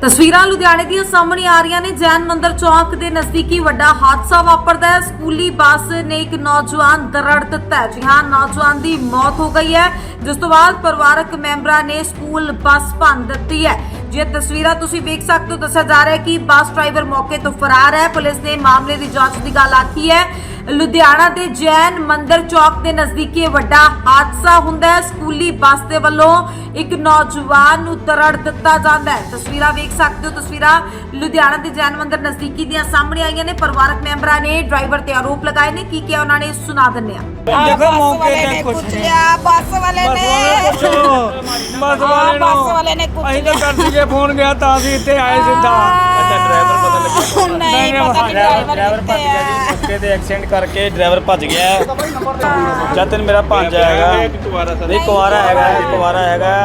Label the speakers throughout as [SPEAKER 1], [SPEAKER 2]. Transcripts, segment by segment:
[SPEAKER 1] ਤਸਵੀਰਾਂ ਲੁਧਿਆਣੇ ਦੀਆਂ ਸਾਹਮਣੇ ਆ ਰਹੀਆਂ ਨੇ। ਜੈਨ ਮੰਦਰ ਚੌਕ ਦੇ ਨਜ਼ਦੀਕੀ ਵੱਡਾ ਹਾਦਸਾ ਵਾਪਰਦਾ ਹੈ। ਸਕੂਲੀ ਬੱਸ ਨੇ ਇੱਕ ਨੌਜਵਾਨ ਦਰੜ ਦਿੱਤਾ ਹੈ। ਜੀ ਹਾਂ, ਨੌਜਵਾਨ ਦੀ ਮੌਤ ਹੋ ਗਈ ਹੈ, ਜਿਸ ਤੋਂ ਬਾਅਦ ਪਰਿਵਾਰਕ ਮੈਂਬਰਾਂ ਨੇ ਸਕੂਲ ਬੱਸ ਭੰਨ ਦਿੱਤੀ ਹੈ। ਜੇ ਤਸਵੀਰਾਂ ਤੁਸੀਂ ਵੇਖ ਸਕਦੇ ਹੋ, ਦੱਸਿਆ ਜਾ ਰਿਹਾ ਹੈ ਕਿ ਬੱਸ ਡਰਾਈਵਰ ਮੌਕੇ ਤੋਂ ਫਰਾਰ ਹੈ। ਪੁਲਿਸ ਨੇ ਮਾਮਲੇ ਦੀ ਜਾਂਚ ਦੀ ਗੱਲ ਆਖੀ ਹੈ। ਲੁਧਿਆਣਾ ਦੇ ਜੈਨ ਮੰਦਰ ਚੌਕ ਦੇ ਨਜ਼ਦੀਕੀ ਵੱਡਾ ਹਾਦਸਾ ਹੁੰਦਾ ਹੈ। ਸਕੂਲੀ ਬੱਸ ਦੇ ਵੱਲੋਂ ਇੱਕ ਨੌਜਵਾਨ ਨੂੰ ਦਰੜ ਦਿੱਤਾ ਜਾਂਦਾ ਹੈ। ਤਸਵੀਰਾਂ ਵੇਖ ਸਕਦੇ ਹੋ। ਤਸਵੀਰਾਂ ਲੁਧਿਆਣਾ ਦੇ ਜੈਨ ਮੰਦਰ ਨਜ਼ਦੀਕੀ ਦੀਆਂ ਸਾਹਮਣੇ ਆਈਆਂ ਨੇ। ਪਰਿਵਾਰਕ ਮੈਂਬਰਾਂ ਨੇ ਡਰਾਈਵਰ ਤੇ ਆਰੋਪ ਲਗਾਏ ਨੇ। ਕੀ ਕਿਹਾ ਉਹਨਾਂ ਨੇ, ਸੁਣਾ ਦਿੰਦੇ ਆ।
[SPEAKER 2] देखो मौके ने कुछ
[SPEAKER 3] बस वाले ने कुछ
[SPEAKER 2] ਅਸੀਂ ਤਾਂ ਕਰ ਸੀਗੇ ਫੋਨ ਗਿਆ ਤਾਂ ਅਸੀਂ ਇੱਥੇ ਆਏ ਸਿੱਧਾ।
[SPEAKER 4] ਅੱਛਾ, ਡਰਾਈਵਰ ਪਤਾ ਲੱਗਿਆ?
[SPEAKER 3] नहीं पता कि
[SPEAKER 4] ਡਰਾਈਵਰ ਭੱਜ ਗਿਆ ਜੀ, ਮੌਕੇ ਤੇ ਐਕਸੀਡੈਂਟ ਕਰਕੇ ਡਰਾਈਵਰ ਭੱਜ ਗਿਆ। ਜਤਨ ਮੇਰਾ ਭਾਂਜਾ ਹੈਗਾ, ਨਹੀਂ ਕੁਆਰਾ ਹੈਗਾ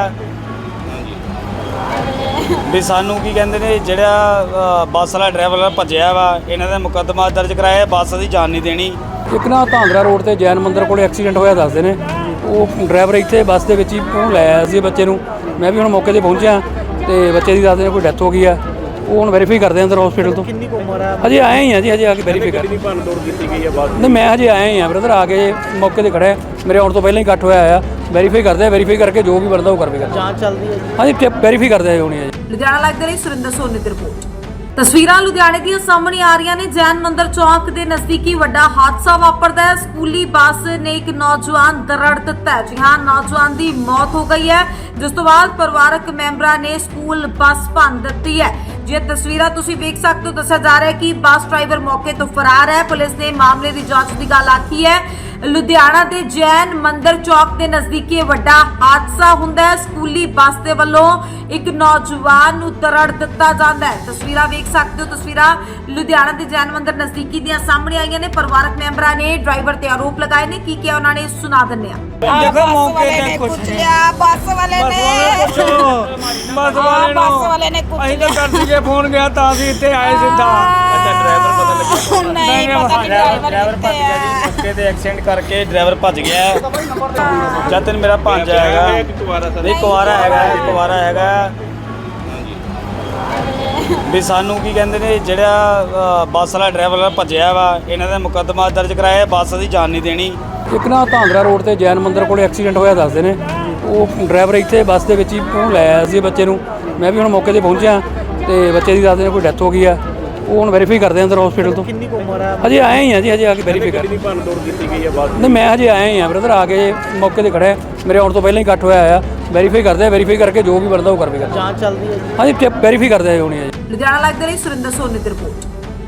[SPEAKER 4] ਵੀ ਸਾਨੂੰ ਕੀ ਕਹਿੰਦੇ ਨੇ, ਜਿਹੜਾ ਬੱਸ ਵਾਲਾ ਡਰਾਈਵਰ ਭੱਜਿਆ ਵਾ, ਇਹਨਾਂ ਦਾ ਮੁਕੱਦਮਾ ਦਰਜ ਕਰਾਇਆ। ਬੱਸ ਦੀ ਜਾਨ ਨਹੀਂ ਦੇਣੀ।
[SPEAKER 5] ਇੱਕ ਨਾ ਧਾਂਦਰਾ ਰੋਡ ਤੇ ਜੈਨ ਮੰਦਰ ਕੋਲੇ ਐਕਸੀਡੈਂਟ ਹੋਇਆ ਦੱਸਦੇ ਨੇ। ਉਹ ਡਰਾਈਵਰ ਇੱਥੇ ਬੱਸ ਦੇ ਵਿੱਚ ਹੀ ਉਹਨੂੰ ਲੈ ਆਇਆ ਸੀ ਬੱਚੇ ਨੂੰ। ਮੈਂ ਵੀ ਹੁਣ ਮੌਕੇ ਤੇ ਪਹੁੰਚਿਆ ਤੇ ਬੱਚੇ ਦੀ ਦੱਸਦੇ ਨੇ ਕੋਈ ਡੈਥ ਹੋ ਗਈ ਆ। ਉਹ ਹੁਣ ਵੈਰੀਫਾਈ ਕਰਦੇ ਅੰਦਰ ਹਸਪੀਟਲ ਤੋਂ।
[SPEAKER 4] ਕਿੰਨੀ ਕੁ ਉਮਰ ਆ?
[SPEAKER 5] ਹਜੇ ਆਏ ਹੀ ਆ ਜੀ, ਹਜੇ ਆ ਕੇ ਵੈਰੀਫਾਈ ਕਰ।
[SPEAKER 4] ਕਿੰਨੀ ਭੰਨ ਤੋੜ ਕੀਤੀ ਗਈ ਆ ਬੱਸ?
[SPEAKER 5] ਨਹੀਂ, ਮੈਂ ਹਜੇ ਆਇਆ ਹੀ ਆ ਬ੍ਰਦਰ, ਆ ਕੇ ਮੌਕੇ ਤੇ ਖੜਿਆ। ਮੇਰੇ ਆਉਣ ਤੋਂ ਪਹਿਲਾਂ ਹੀ ਇਕੱਠ ਹੋਇਆ ਆ। ਵੈਰੀਫਾਈ ਕਰਦੇ ਆ, ਵੈਰੀਫਾਈ ਕਰਕੇ ਜੋ ਵੀ ਬਣਦਾ ਉਹ ਕਰਵੇਗਾ।
[SPEAKER 4] ਜਾਂਚ ਚੱਲਦੀ ਹੈ ਜੀ।
[SPEAKER 5] ਹਾਂਜੀ, ਵੈਰੀਫਾਈ ਕਰਦੇ ਆ ਹੋਣੀ ਆ ਜੀ।
[SPEAKER 1] ਲੁਧਿਆਣਾ ਲਾਈਵ ਦੇ ਲਈ ਸੁਰਿੰਦਰ ਸੋਨੀ ਦੀ ਰਿਪੋਰਟ। ਤਸਵੀਰਾਂ ਲੁਧਿਆਣੇ ਦੀਆਂ ਸਾਹਮਣੇ ਆ ਰਹੀਆਂ ਨੇ। ਜੈਨ ਮੰਦਰ ਚੌਕ ਦੇ ਨਜ਼ਦੀਕੀ ਵੱਡਾ ਹਾਦਸਾ ਵਾਪਰਦਾ ਹੈ। ਸਕੂਲੀ ਬੱਸ ਨੇ ਇੱਕ ਨੌਜਵਾਨ ਦਰੜ ਦਿੱਤਾ ਹੈ। ਜੀ ਹਾਂ, ਨੌਜਵਾਨ ਦੀ ਮੌਤ ਹੋ ਗਈ ਹੈ, ਜਿਸ ਤੋਂ ਬਾਅਦ ਪਰਿਵਾਰਕ ਮੈਂਬਰਾਂ ਨੇ ਸਕੂਲ ਬੱਸ ਭੰਨ ਦਿੱਤੀ ਹੈ। ਜੇ ਤਸਵੀਰਾਂ ਤੁਸੀਂ ਵੇਖ ਸਕਦੇ ਹੋ, ਦੱਸਿਆ ਜਾ ਰਿਹਾ ਹੈ ਕਿ ਬੱਸ ਡਰਾਈਵਰ ਮੌਕੇ ਤੋਂ ਫਰਾਰ ਹੈ। ਪੁਲਿਸ ਨੇ ਮਾਮਲੇ ਦੀ ਜਾਂਚ ਦੀ ਗੱਲ ਆਖੀ ਹੈ। ਲੁਧਿਆਣਾ ਦੇ ਜੈਨ ਮੰਦਰ ਚੌਕ ਦੇ ਨਜ਼ਦੀਕੀ ਵੱਡਾ ਹਾਦਸਾ ਹੁੰਦਾ ਹੈ। ਸਕੂਲੀ ਬੱਸ ਦੇ ਵੱਲੋਂ ਇੱਕ ਨੌਜਵਾਨ ਨੂੰ ਦਰੜ ਦਿੱਤਾ ਜਾਂਦਾ ਹੈ। ਤਸਵੀਰਾਂ ਵੇਖ ਸਕਦੇ ਹੋ। ਤਸਵੀਰਾਂ ਲੁਧਿਆਣਾ ਦੇ ਜੈਨ ਮੰਦਰ ਨਜ਼ਦੀਕੀ ਦੀਆਂ ਸਾਹਮਣੇ ਆਈਆਂ ਨੇ। ਪਰਿਵਾਰਕ ਮੈਂਬਰਾਂ ਨੇ ਡਰਾਈਵਰ ਤੇ ਆਰੋਪ ਲਗਾਏ ਨੇ। ਕੀ ਕਿਹਾ ਉਹਨਾਂ ਨੇ, ਸੁਣਾ ਦਿੰਦੇ ਆ।
[SPEAKER 2] देखो मौके ने कुछ
[SPEAKER 3] बस वाले ने कुछ
[SPEAKER 2] ਅਸੀਂ ਤਾਂ ਕਰ ਸੀਗੇ ਫੋਨ ਗਿਆ ਤਾਂ ਅਸੀਂ ਇੱਥੇ ਆਏ ਸਿੱਧਾ।
[SPEAKER 4] ਅੱਛਾ, ਡਰਾਈਵਰ ਪਤਾ ਲੱਗਿਆ?
[SPEAKER 3] नहीं पता कि
[SPEAKER 4] ਡਰਾਈਵਰ ਭੱਜ ਗਿਆ ਜੀ, ਮੌਕੇ ਤੇ ਐਕਸੀਡੈਂਟ ਕਰਕੇ ਡਰਾਈਵਰ ਭੱਜ ਗਿਆ। ਜਤਨ ਮੇਰਾ ਭਾਂਜਾ ਹੈਗਾ, ਨਹੀਂ ਕੁਆਰਾ ਹੈਗਾ ਵੀ ਸਾਨੂੰ ਕੀ ਕਹਿੰਦੇ ਨੇ, ਜਿਹੜਾ ਬੱਸ ਵਾਲਾ ਡਰਾਈਵਰ ਭੱਜਿਆ ਵਾ, ਇਹਨਾਂ ਦਾ ਮੁਕੱਦਮਾ ਦਰਜ ਕਰਾਇਆ। ਬੱਸ ਦੀ ਜਾਨ ਨਹੀਂ ਦੇਣੀ।
[SPEAKER 5] ਇੱਕ ਨਾ ਧਾਂਦਰਾ ਰੋਡ ਤੇ ਜੈਨ ਮੰਦਰ ਕੋਲੇ ਐਕਸੀਡੈਂਟ ਹੋਇਆ ਦੱਸਦੇ ਨੇ। ਉਹ ਡਰਾਈਵਰ ਇੱਥੇ ਬੱਸ ਦੇ ਵਿੱਚ ਹੀ ਉਹਨੂੰ ਲੈ ਆਇਆ ਸੀ ਬੱਚੇ ਨੂੰ। ਮੈਂ ਵੀ ਹੁਣ ਮੌਕੇ ਤੇ ਪਹੁੰਚਿਆ ਤੇ ਬੱਚੇ ਦੀ ਦੱਸਦੇ ਨੇ ਕੋਈ ਡੈਥ ਹੋ ਗਈ ਆ। ਉਹ ਹੁਣ ਵੈਰੀਫਾਈ ਕਰਦੇ ਅੰਦਰ ਹਸਪੀਟਲ ਤੋਂ।
[SPEAKER 4] ਕਿੰਨੀ ਕੁ ਉਮਰ ਆ?
[SPEAKER 5] ਹਜੇ ਆਏ ਹੀ ਆ ਜੀ, ਹਜੇ ਆ ਕੇ ਵੈਰੀਫਾਈ ਕਰ।
[SPEAKER 4] ਕਿੰਨੀ ਭੰਨ ਤੋੜ ਕੀਤੀ ਗਈ ਆ ਬੱਸ?
[SPEAKER 5] ਨਹੀਂ, ਮੈਂ ਹਜੇ ਆਇਆ ਹੀ ਆ ਬ੍ਰਦਰ, ਆ ਕੇ ਮੌਕੇ ਤੇ ਖੜਿਆ। ਮੇਰੇ ਆਉਣ ਤੋਂ ਪਹਿਲਾਂ ਹੀ ਇਕੱਠ ਹੋਇਆ ਆ। ਵੈਰੀਫਾਈ ਕਰਦੇ ਆ, ਵੈਰੀਫਾਈ ਕਰਕੇ ਜੋ ਵੀ ਬਣਦਾ ਉਹ ਕਰਵੇਗਾ।
[SPEAKER 4] ਜਾਂਚ ਚੱਲਦੀ ਹੈ ਜੀ।
[SPEAKER 5] ਹਾਂਜੀ, ਵੈਰੀਫਾਈ ਕਰਦੇ ਆ ਹੋਣੀ ਆ ਜੀ।
[SPEAKER 1] ਲੁਧਿਆਣਾ ਲਾਈਵ ਦੇ ਲਈ ਸੁਰਿੰਦਰ ਸੋਨੀ ਦੀ ਰਿਪੋਰਟ।